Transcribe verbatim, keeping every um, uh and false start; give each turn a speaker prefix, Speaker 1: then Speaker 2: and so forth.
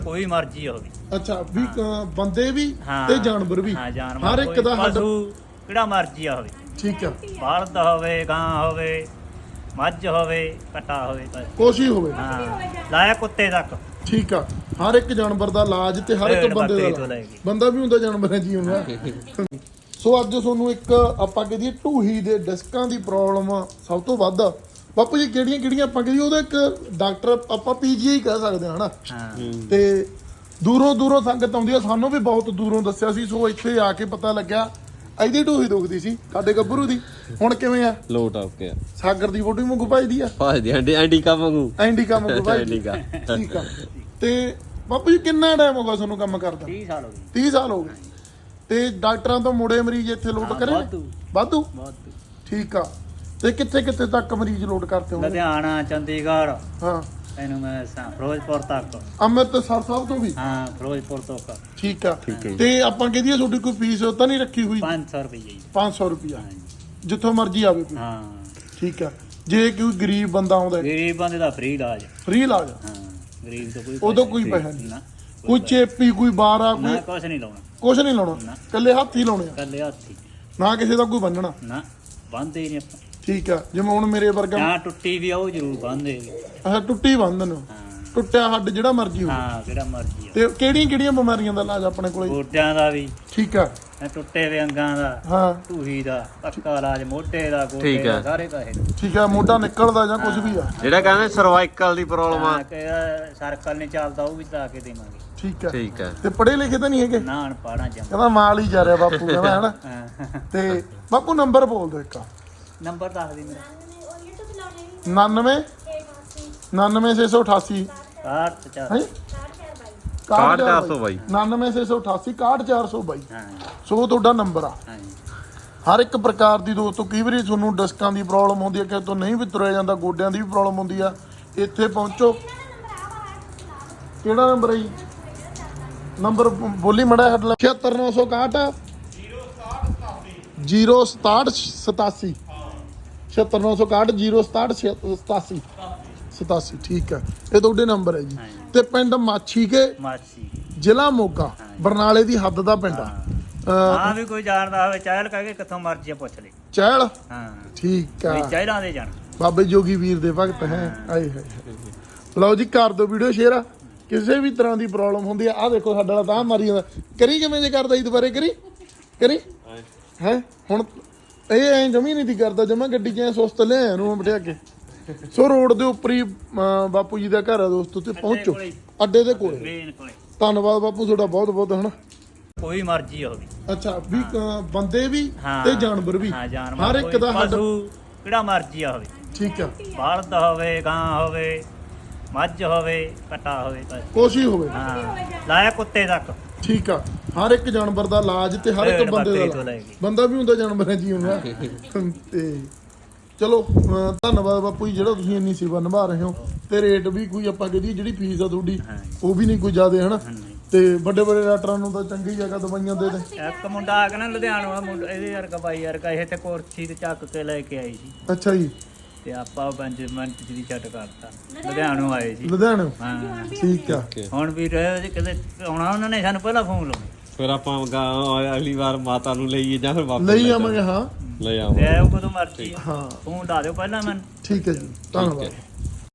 Speaker 1: ਕੋਈ ਮਰਜ਼ੀ ਹੋਵੇ।
Speaker 2: ਅੱਛਾ ਵੀ ਕ- ਬੰਦੇ ਵੀ
Speaker 1: ਹਾਂ
Speaker 2: ਤੇ ਜਾਨਵਰ ਵੀ,
Speaker 1: ਹਾਂ ਜਾਨਵਰ
Speaker 2: ਹਰ ਇੱਕ ਦਾ ਹੱਡ।
Speaker 1: ਪਸ਼ੂ ਕਿਹੜਾ ਮਰਜ਼ੀ ਹੋਵੇ।
Speaker 2: ਠੀਕ ਆ,
Speaker 1: ਬਲਦ ਹੋਵੇ, ਗਾਂ ਹੋਵੇ, ਮੱਝ ਹੋਵੇ, ਕਟਾ ਹੋਵੇ, ਬਸ।
Speaker 2: ਕੁਛ ਹੀ ਹੋਵੇ।
Speaker 1: ਹਾਂ ਲਾਇਆ ਕੁੱਤੇ ਤੱਕ।
Speaker 2: ਠੀਕ ਆ, ਹਰ ਇੱਕ ਜਾਨਵਰ ਦਾ ਇਲਾਜ ਤੇ ਹਰ ਇੱਕ
Speaker 1: ਭੇਡ
Speaker 2: ਬੰਦੇ
Speaker 1: ਬੱਕਰੀ
Speaker 2: ਦਾ
Speaker 1: ਤੋਂ
Speaker 2: ਇਲਾਜ।
Speaker 1: ਲੈ ਕੇ।
Speaker 2: ਬੰਦਾ ਵੀ ਹੁੰਦਾ, ਜਾਨਵਰ ਹੈ ਜੀ ਹੁੰਦਾ। ਸੋ ਅੱਜ ਤੁਹਾਨੂੰ ਇੱਕ ਆਪਾਂ ਕਹਦੇ ਢੂਹੀ ਦੇ ਡਿਸਕਾਂ ਦੀ ਪ੍ਰੋਬਲਮ ਸਭ ਤੋਂ ਵੱਧ ਆ। ਬਾਪੂ ਜੀ ਕਿਹੜੀਆਂ ਕਿਹੜੀਆਂ ਆਪਾਂ ਕਹਦੇ ਉਹਦਾ ਇੱਕ ਡਾਕਟਰ ਆਪਾਂ ਪੀਜੀਆਈ ਕਹਿ ਸਕਦੇ ਹਾਂ ਹਨਾ।
Speaker 1: ਹਾਂ
Speaker 2: ਤੇ ਦੂਰੋਂ ਦੂਰੋਂ ਸੰਗਤ ਆਉਂਦੀ ਆ, ਸਾਨੂੰ ਵੀ ਬਹੁਤ ਦੂਰੋਂ ਦੱਸਿਆ ਸੀ। ਸੋ ਇੱਥੇ ਆ ਕੇ ਪਤਾ ਲੱਗਿਆ ਇਹਦੀ ਢੂਹੀ ਦੁਖਦੀ ਸੀ ਸਾਡੇ ਗੱਭਰੂ ਦੀ। ਹੁਣ ਕਿਵੇਂ ਆ?
Speaker 3: ਲੋਟ ਆ ਕੇ
Speaker 2: ਸਾਗਰ ਦੀ ਫੋਟੋ ਵਾਂਗੂ ਭਜਦੀ ਆ,
Speaker 3: ਭਾਜਦੀ ਐਂਡੀ ਐਂਡੀ ਕਾ ਵਾਂਗੂ
Speaker 2: ਐਂਡੀਕਾ ਵਾਂਗੂ ਭਜਦੀ।
Speaker 3: ਐਂਡੀਕਾ।
Speaker 2: ਠੀਕ ਆ। ਤੇ ਬਾਪੂ ਜੀ ਕਿੰਨਾ ਟਾਈਮ ਹੋ ਗਿਆ ਤੁਹਾਨੂੰ ਕੰਮ ਕਰਦਾ?
Speaker 1: ਤੀਹ ਸਾਲ ਹੋ ਗਏ।
Speaker 2: ਤੀਹ ਸਾਲ ਹੋ ਗਏ। ਤੇ ਡਾਕਟਰਾਂ ਤੋਂ ਮੁੜੇ ਮਰੀਜ਼ ਇੱਥੇ ਲੋਟ
Speaker 1: ਹਾਂ,
Speaker 2: ਕਰੇ ਨੇ?
Speaker 1: ਵਾਧੂ।
Speaker 2: ਵਾਧੂ।
Speaker 1: ਬਹੁਤ
Speaker 2: ਠੀਕ ਆ। ਤੇ ਕਿੱਥੇ ਕਿੱਥੇ ਤੱਕ ਮਰੀਜ਼ ਲੋਟ ਕਰਤੇ ਹੋ?
Speaker 1: ਲੁਧਿਆਣਾ, ਚੰਡੀਗੜ੍ਹ,
Speaker 2: ਹਾਂ,
Speaker 1: ਇਹਨੂੰ ਮੈਂ ਦੱਸਾਂ ਫਿਰੋਜ਼ਪੁਰ ਤੱਕ।
Speaker 2: ਅੰਮ੍ਰਿਤਸਰ ਸਾਹਿਬ ਤੋਂ ਵੀ?
Speaker 1: ਹਾਂ ਫਿਰੋਜ਼ਪੁਰ ਤੱਕ।
Speaker 2: ਠੀਕ ਆ।
Speaker 3: ਠੀਕ ਹੈ ਜੀ।
Speaker 2: ਤੇ ਆਪਾਂ ਕਹਦੀਏ ਤੁਹਾਡੀ ਕੋਈ ਫੀਸ ਤਾਂ ਨਹੀਂ ਰੱਖੀ ਹੋਈ?
Speaker 1: ਪੰਜ ਸੌ ਰੁਪਏ ਜੀ।
Speaker 2: ਪੰਜ ਸੌ ਰੁਪਿਆ
Speaker 1: ਹਾਂ ਜੀ।
Speaker 2: ਜਿੱਥੋਂ ਮਰਜ਼ੀ ਆਵੇ ਕੋਈ?
Speaker 1: ਹਾਂ
Speaker 2: ਠੀਕ ਆ। ਜੇ ਕੋਈ ਗਰੀਬ ਬੰਦਾ ਆਉਂਦਾ,
Speaker 1: ਗਰੀਬ ਬੰਦੇ ਦਾ ਫ੍ਰੀ ਇਲਾਜ।
Speaker 2: ਫ੍ਰੀ ਇਲਾਜ?
Speaker 1: ਹਾਂ ਗਰੀਬ ਤੋਂ ਕੋਈ
Speaker 2: ਉਦੋਂ
Speaker 1: ਪੈਸਾ
Speaker 2: ਕੋਈ
Speaker 1: ਨਹੀਂ।
Speaker 2: ਪੈਸਾ ਨਹੀਂ?
Speaker 1: ਨਾ
Speaker 2: ਕੋਈ ਚੇਪੀ, ਕੋਈ ਬਾਰਾ,
Speaker 1: ਨਾ
Speaker 2: ਕੋਈ
Speaker 1: ਕੁਛ ਨਹੀਂ ਲਾਉਣਾ।
Speaker 2: ਕੁਛ ਨਹੀਂ ਲਾਉਣਾ?
Speaker 1: ਨਾ।
Speaker 2: ਕੱਲੇ ਹੱਥ ਹੀ ਲਾਉਣੇ ਆ?
Speaker 1: ਕੱਲੇ ਹੱਥੀ।
Speaker 2: ਨਾ ਕਿਸੇ ਦਾ ਕੋਈ ਬੰਨਣਾ?
Speaker 1: ਨਾ ਬੰਦੇ ਹੀ ਨਹੀਂ ਆਪਾਂ।
Speaker 2: ਠੀਕ ਆ। ਜਿਵੇਂ ਹੁਣ ਮੇਰੇ ਵਰਗਾ
Speaker 1: ਨਾ ਟੁੱਟੀ ਵੀ ਆ ਉਹ ਜ਼ਰੂਰ ਬੰਦੇ।
Speaker 2: ਅੱਛਾ, ਟੁੱਟੀ ਬੰਦ ਨੂੰ,
Speaker 1: ਹਾਂ
Speaker 2: ਟੁੱਟਿਆ ਹੱਡ ਜਿਹੜਾ ਮਰਜ਼ੀ ਹੋਵੇ।
Speaker 1: ਹਾਂ ਜਿਹੜਾ ਮਰਜ਼ੀ ਆ।
Speaker 2: ਤੇ ਕਿਹੜੀਆਂ ਕਿਹੜੀਆਂ ਬਿਮਾਰੀਆਂ ਦਾ ਇਲਾਜ ਆਪਣੇ ਕੋਲੇ?
Speaker 1: ਗੋਡਿਆਂ ਦਾ ਵੀ,
Speaker 2: ਠੀਕ ਆ।
Speaker 1: ਇਹ ਟੁੱਟੇ ਵੇ ਅੰਗਾਂ ਦਾ,
Speaker 2: ਹਾਂ
Speaker 1: ਢੂਹੀ ਦਾ, ਪੱਕਾ ਇਲਾਜ, ਮੋਢੇ ਦਾ, ਗੋਡੇ
Speaker 3: ਠੀਕ
Speaker 1: ਦਾ,
Speaker 3: ਆ।
Speaker 1: ਸਾਰੇ ਪੈਸੇ।
Speaker 2: ਠੀਕ ਆ। ਮੋਢਾ ਨਿਕਲਦਾ ਜਾਂ ਕੁਝ ਵੀ ਆ?
Speaker 3: ਜਿਹੜਾ ਕਹਿੰਦੇ ਸਰਵਾਈਕਲ ਦੀ ਪ੍ਰੋਬਲਮ ਆ।
Speaker 1: ਹਾਂ ਕਿ ਸਰਕਲ ਨਹੀਂ ਚੱਲਦਾ ਉਹ ਵੀ ਲਾ ਕੇ ਦੇਵਾਂਗੇ।
Speaker 2: ਠੀਕ ਆ।
Speaker 3: ਠੀਕ ਹੈ।
Speaker 2: ਤੇ ਪੜ੍ਹੇ ਲਿਖੇ ਤਾਂ ਨਹੀਂ ਹੈਗੇ?
Speaker 1: ਨਾ ਅਨਪੜ੍ਹਾਂ ਜਮ।
Speaker 2: ਕਹਿੰਦਾ ਮਾਲ ਹੀ ਜਾ ਰਿਹਾ ਬਾਪੂ, ਕਹਿੰਦਾ ਹਨਾ। ਤੇ ਬਾਪੂ ਨੰਬਰ ਬੋਲ ਦਿਓ ਇੱਕ।
Speaker 1: ਨੰਬਰ ਦੱਸ ਦੇ ਮੇਰਾ।
Speaker 2: ਉਨਾਨਵੇਂ ਉਨਾਨਵੇਂ ਛੇ ਸੌ ਅਠਾਸੀ
Speaker 1: ਆਠ ਚਾਰ।
Speaker 2: ਹੈ
Speaker 3: ਇਕਾਹਠ ਚਾਰ ਸੌ ਬਾਈ।
Speaker 2: ਉਨਾਨਵੇਂ ਛੇ ਸੌ ਅਠਾਸੀ ਇਕਾਹਠ ਚਾਰ ਸੌ ਬਾਈ।
Speaker 1: ਹਾਂ
Speaker 2: ਸੋ ਤੁਹਾਡਾ ਨੰਬਰ ਆ।
Speaker 1: ਹਾਂ
Speaker 2: ਹਰ ਇੱਕ ਪ੍ਰਕਾਰ ਦੀ ਦੋਸਤੋ, ਕਈ ਵਾਰੀ ਤੁਹਾਨੂੰ ਡਿਸਕਾਂ ਦੀ ਪ੍ਰੋਬਲਮ ਹੁੰਦੀ ਹੈ, ਕਿਸੇ ਤੋਂ ਨਹੀਂ ਵੀ ਤੁਰਿਆ ਜਾਂਦਾ, ਗੋਡਿਆਂ ਦੀ ਵੀ ਪ੍ਰੋਬਲਮ ਹੁੰਦੀ ਆ, ਇੱਥੇ ਪਹੁੰਚੋ। ਕਿਹੜਾ ਨੰਬਰ ਹੈ ਜੀ? ਨੰਬਰ ਬੋਲੀ ਮੜਾ ਹੱਡ ਲਾ। ਛਿਹੱਤਰ ਨੌ ਸੌ ਇਕਾਹਠ ਜ਼ੀਰੋ ਸਤਾਹਠ ਸਤਾਸੀ। ਛਿਹੱਤਰ ਨੌ ਸੌ ਇਕਾਹਠ ਜ਼ੀਰੋ ਸਤਾਹਠ ਸਤਾਸੀ ਸਤਾਸੀ। ਠੀਕ ਆ। ਇਹ ਤੁਹਾਡੇ ਨੰਬਰ ਹੈ ਜੀ। ਤੇ ਪਿੰਡ ਮਾਛੀ ਕੇ,
Speaker 1: ਮਾਛੀ।
Speaker 2: ਜ਼ਿਲ੍ਹਾ ਮੋਗਾ, ਬਰਨਾਲੇ ਦੀ ਹੱਦ ਦਾ ਪਿੰਡ ਆ। ਅਹ,
Speaker 1: ਹਾਂ ਵੀ ਕੋਈ ਜਾਣਦਾ ਹੋਵੇ ਚਾਹਲ ਕਹਿ ਕੇ ਕਿੱਥੋਂ ਮਰਜੀ ਪੁੱਛ ਲੈ।
Speaker 2: ਚਹਿਲ।
Speaker 1: ਹਾਂ
Speaker 2: ਠੀਕ ਆ।
Speaker 1: ਵੀ ਚਾਹਲਾਂ ਦੇ ਜਾਣ।
Speaker 2: ਬਾਬੇ ਜੋਗੀ ਵੀਰ ਦੇ ਭਗਤ ਹੈ। ਆਏ ਹਾਏ ਹਾਏ। ਲਓ ਜੀ, ਕਰ ਦਿਓ ਵੀਡੀਓ ਸ਼ੇਅਰ। ਕਿਸੇ ਵੀ ਤਰ੍ਹਾਂ ਦੀ ਪ੍ਰੋਬਲਮ ਹੁੰਦੀ ਆ, ਆਹ ਦੇਖੋ ਸਾਡਾ ਵਾਲਾ ਤਾਂ ਮਾਰੀ ਜਾਂਦਾ। ਕਰੀ ਕਿਵੇਂ ਜੇ ਕਰਦਾ ਜੀ ਦੁਬਾਰੇ? ਕਰੀ ਕਰੀ ਹੈ। ਹੁਣ ਇਹ ਐਂ ਜਮੀ ਨਹੀਂ ਦੀ ਕਰਦਾ, ਜਮਾ ਗੱਡੀ 'ਚ ਐਂ ਸੁਸਤ ਲਿਆ ਨੂੰ ਬਟਿਆ ਕੇ। ਸੋ ਰੋਡ ਦੇ ਉੱਪਰ ਹੀ ਅਹ, ਬਾਪੂ ਜੀ ਦਾ ਘਰ ਆ ਦੋਸਤੋ, ਤੇ ਪਹੁੰਚੋ ਅੱਡੇ ਦੇ ਕੋਲੇ।
Speaker 1: ਮੇਨ ਕੋਲੇ।
Speaker 2: ਧੰਨਵਾਦ ਬਾਪੂ ਤੁਹਾਡਾ ਬਹੁਤ ਬਹੁਤ ਹਨਾ।
Speaker 1: ਕੋਈ ਮਰਜ਼ੀ ਹੋਵੇ।
Speaker 2: ਅੱਛਾ ਵੀ ਕ- ਬੰਦੇ ਵੀ
Speaker 1: ਹਾਂ
Speaker 2: ਤੇ ਜਾਨਵਰ ਵੀ,
Speaker 1: ਹਾਂ ਜਾਨਵਰ
Speaker 2: ਹਰ ਇੱਕ
Speaker 1: ਕੋਈ
Speaker 2: ਦਾ ਹੱਡ।
Speaker 1: ਪਸ਼ੂ ਕਿਹੜਾ ਮਰਜ਼ੀ ਹੋਵੇ।
Speaker 2: ਠੀਕ ਆ।
Speaker 1: ਬਲਦ ਹੋਵੇ, ਗਾਂ ਹੋਵੇ, ਮੱਝ ਹੋਵੇ, ਕਟਾ ਹੋਵੇ, ਬਸ।
Speaker 2: ਕੁਛ ਹੀ ਹੋਵੇ।
Speaker 1: ਹਾਂ ਲਾਇਆ ਕੁੱਤੇ ਤੱਕ।
Speaker 2: ਠੀਕ ਆ। ਹਰ ਇੱਕ ਜਾਨਵਰ ਦਾ ਇਲਾਜ ਤੇ ਹਰ ਇੱਕ
Speaker 1: ਭੇਡ
Speaker 2: ਬੰਦੇ ਦਾ
Speaker 1: ਬੱਕਰੀ ਤੋਂ
Speaker 2: ਇਲਾਜ।
Speaker 1: ਲੈ ਕੇ।
Speaker 2: ਬੰਦਾ ਵੀ ਹੁੰਦਾ, ਜਾਨਵਰ ਹੈ ਜੀ ਹੁੰਦਾ। ਤੇ ਚਲੋ ਅਹ ਧੰਨਵਾਦ ਬਾਪੂ ਜੀ, ਜਿਹੜਾ ਤੁਸੀਂ ਇੰਨੀ ਸੇਵਾ ਨਿਭਾ ਰਹੇ ਹੋ। ਤੇ ਰੇਟ ਵੀ ਕੋਈ ਆਪਾਂ ਕਹਦੀ ਜਿਹੜੀ ਫੀਸ ਆ ਤੁਹਾਡੀ ਉਹ ਵੀ ਨਹੀਂ ਕੋਈ ਜ਼ਿਆਦਾ ਹਨਾ। ਤੇ ਵੱਡੇ ਵੱਡੇ ਡਾਕਟਰਾਂ ਨੂੰ ਤਾਂ ਚੰਗੀ ਜਗ੍ਹਾ ਦਵਾਈਆਂ ਦੇ ਦੇ।
Speaker 1: ਇੱਕ ਮੁੰਡਾ ਆ ਕੇ ਨਾ ਲੁਧਿਆਣਾ ਮੁੰਡਾ, ਇਹਦੇ ਵਰਗਾ ਬਾਈ ਵਰਗਾ, ਇਹ ਤੇ ਕੁਰਸੀ ਤੇ ਚੱਕ ਕੇ ਲੈ ਕੇ ਆਈ ਸੀ।
Speaker 2: ਅੱਛਾ ਜੀ।
Speaker 1: ਤੇ ਆਪਾਂ ਪੰਜ ਮਿੰਟ ਚ ਦੀ ਛੱਡ ਕਰਤਾ। ਲੁਧਿਆਣੋਂ ਆਏ ਸੀ।
Speaker 2: ਲੁਧਿਆਣੇ?
Speaker 1: ਹਾਂ
Speaker 2: ਠੀਕ ਆ।
Speaker 1: ਹੁਣ ਵੀ ਰਹੇ ਕਿਤੇ ਆਉਣਾ, ਉਹਨਾਂ ਨੇ ਸਾਨੂੰ ਪਹਿਲਾਂ ਫੋਨ ਲਾਉਣਾ।
Speaker 3: ਫਿਰ ਆਪਾਂ ਗਾ- ਅਗਲੀ ਵਾਰ ਮਾਤਾ ਨੂੰ ਲਈਏ ਜਾਂ ਫਿਰ ਵਾਪਸ
Speaker 2: ਲਈ ਆਵਾਂਗੇ। ਹਾਂ
Speaker 3: ਲੈ
Speaker 1: ਤੇ
Speaker 3: ਆਵਾਂਗੇ।
Speaker 1: ਆਓ ਕਦੋਂ ਮਰਜੀ।
Speaker 2: ਹਾਂ
Speaker 1: ਫੋਨ ਲਾ ਦਿਓ ਪਹਿਲਾਂ ਮੈਨੂੰ।
Speaker 2: ਠੀਕ ਹੈ ਜੀ, ਧੰਨਵਾਦ।